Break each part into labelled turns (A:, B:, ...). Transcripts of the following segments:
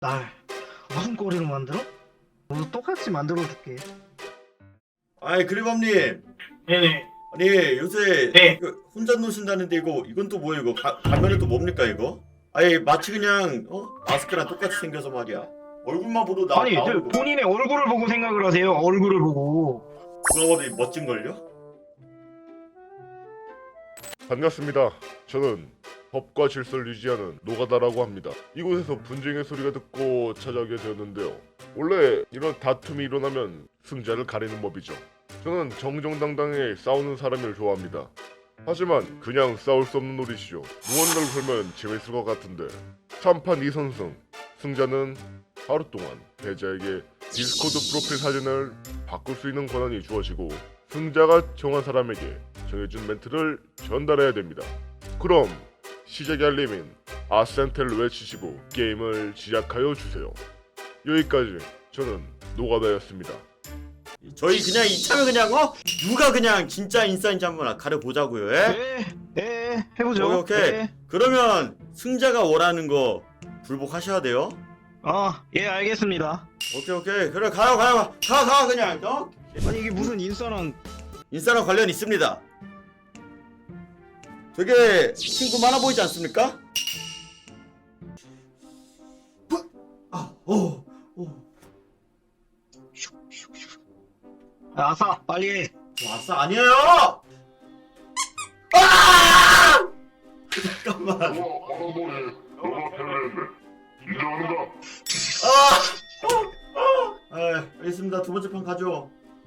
A: 날 무슨 꼬리로 만들어? 너도 똑같이 만들어줄게.
B: 아이 그리범님,
A: 네네.
B: 아니 요새
A: 네.
B: 혼자 노신다는데 이건 또 뭐야 이거 가면은 또 뭡니까 이거? 아니 마치 그냥 마스크랑 똑같이 생겨서 말이야. 얼굴만 보도
A: 아니,
B: 나오는 거.
A: 본인의 얼굴을 보고 생각을 하세요. 얼굴을 보고.
B: 누가 봐도 멋진 걸요?
C: 반갑습니다. 저는 법과 질서를 유지하는 노가다라고 합니다. 이곳에서 분쟁의 소리가 듣고 찾아오게 되었는데요. 원래 이런 다툼이 일어나면 승자를 가리는 법이죠. 저는 정정당당하게 싸우는 사람을 좋아합니다. 하지만 그냥 싸울 수 없는 놀이시죠. 무언가를 걸면 재밌을 것 같은데 3판 2선승. 승자는 하루 동안 패자에게 디스코드 프로필 사진을 바꿀 수 있는 권한이 주어지고 승자가 정한 사람에게 정해준 멘트를 전달해야 됩니다. 그럼 시작이 알림인 아센텔을 외치시고 게임을 시작하여 주세요. 여기까지 저는 노가다였습니다.
B: 저희 그냥 이참에 그냥 누가 그냥 진짜 인싸인지 한번 가려보자고요. 예?
A: 네, 해보죠.
B: 오케이.
A: 네.
B: 그러면 승자가 원하는 거 불복하셔야 돼요.
A: 예, 알겠습니다.
B: 오케이. 그래 가요 가 그냥
A: 아니, 이게 무슨 인싸랑.
B: 인싸랑 관련 있습니다. 되게 친구 많아 보이지 않습니까?
A: 아싸, 빨리 해.
B: 아싸 아니에요. 아! 잠깐만.
C: 바람머리 너가 패배했네. 인정한다.
B: 알겠습니다. 두 번째 판 가죠.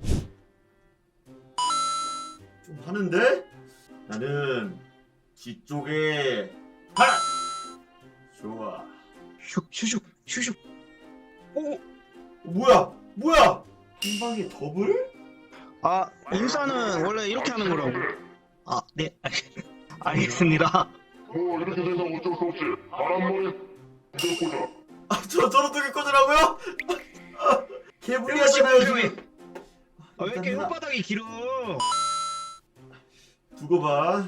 B: 좀 하는데? 나는 뒤쪽에 하나. 좋아.
A: 슉. 오!
B: 뭐야? 한 방에 더블?
A: 인싸는 원래 이렇게 하는 거라고. 네. 알겠습니다.
C: 뭐 이렇게 된다면 어쩔 수 없지. 바람머리 꽂아.
B: 저런 두개 꽂으라고요? 개불리하잖아요 지금.
A: 왜 이렇게
B: 일단
A: 혓바닥이 길어?
B: 두고 봐.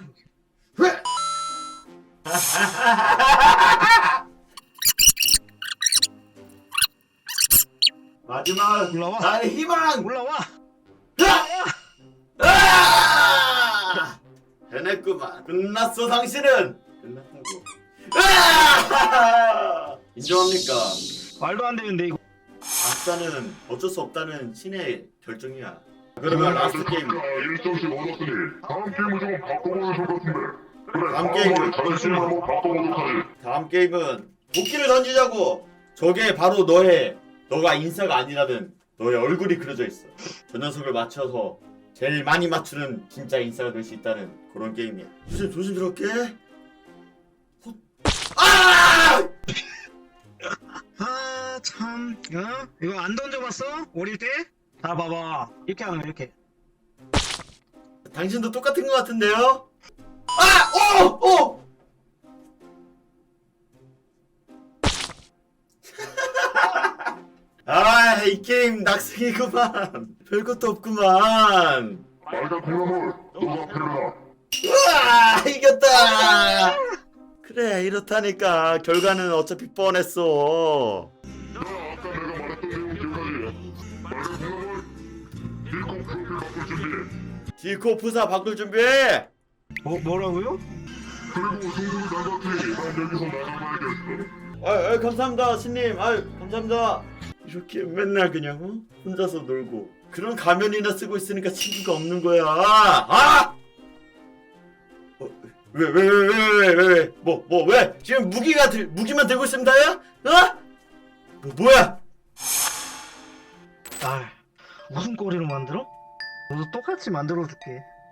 B: 마지막
A: 올라와.
B: 나의 희망.
A: 올라와.
B: 해냈구만. 끝났어 당신은. 끝났다고. 인정합니까?
A: 말도 안 되는데 이거.
B: 아싸는 어쩔 수 없다는 신의 결정이야. 그러면 라스트 게임.
C: 1점씩 얻었으니 다음 게임을 좀 바꿔보면 좋을 것 같은데. 그래,
B: 다음 게임은
C: 자존심을 한번 바꿔보도록 하지.
B: 다음 게임은 도끼를 던지자고. 저게 바로 너가 인싸가 아니라든 너의 얼굴이 그려져 있어. 저 녀석을 맞춰서 제일 많이 맞추는 진짜 인싸가 될 수 있다는 그런 게임이야. 조심스럽게. 아!
A: 참. 이거 안 던져봤어? 어릴 때? 자, 봐봐. 이렇게 하는 거, 이렇게.
B: 당신도 똑같은 것 같은데요? 오! 이 게임 낙승이구만. 별것도 없구만.
C: 빨간 콩나물 너가 패배다.
B: 우와, 이겼다. 그래, 이렇다니까. 결과는 어차피 뻔했어.
C: 야, 아까 내가 말했던 내용 기억하지? 빨간 콩나물 딜코 프로필 바꿀 준비.
B: 디코 푸사 바꿀 준비해.
A: 뭐라고요?
C: 그리고 승부를 나갔으니 난 여기서 나가봐야겠어.
B: 감사합니다, 신님. 감사합니다. 이렇게 맨날 그냥 혼자서 놀고 그런 가면이나 쓰고 있으니까 친구가 없는 거야. 왜? 왜? 지금 무기만 들고 있으면 다야? 뭐야?
A: 날 무슨 꼬리로 만들어? 너도 똑같이 만들어줄게.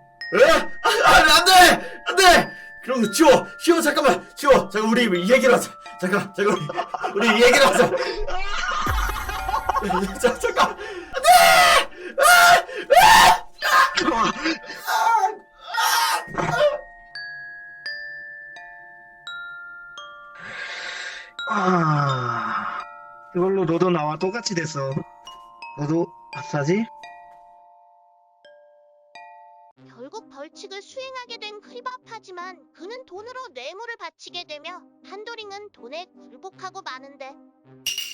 B: 안 돼! 그런 거 치워, 잠깐만, 잠깐, 우리 얘기를 하자. 잠깐, 우리 얘기를 하자. 잠깐!
A: 이걸로 너도 나와 똑같이 됐어. 너도 아싸지?
D: 결국 벌칙을 수행하게 된 크리바파지만 그는 돈으로 뇌물을 바치게 되며 한도링은 돈에 굴복하고 마는데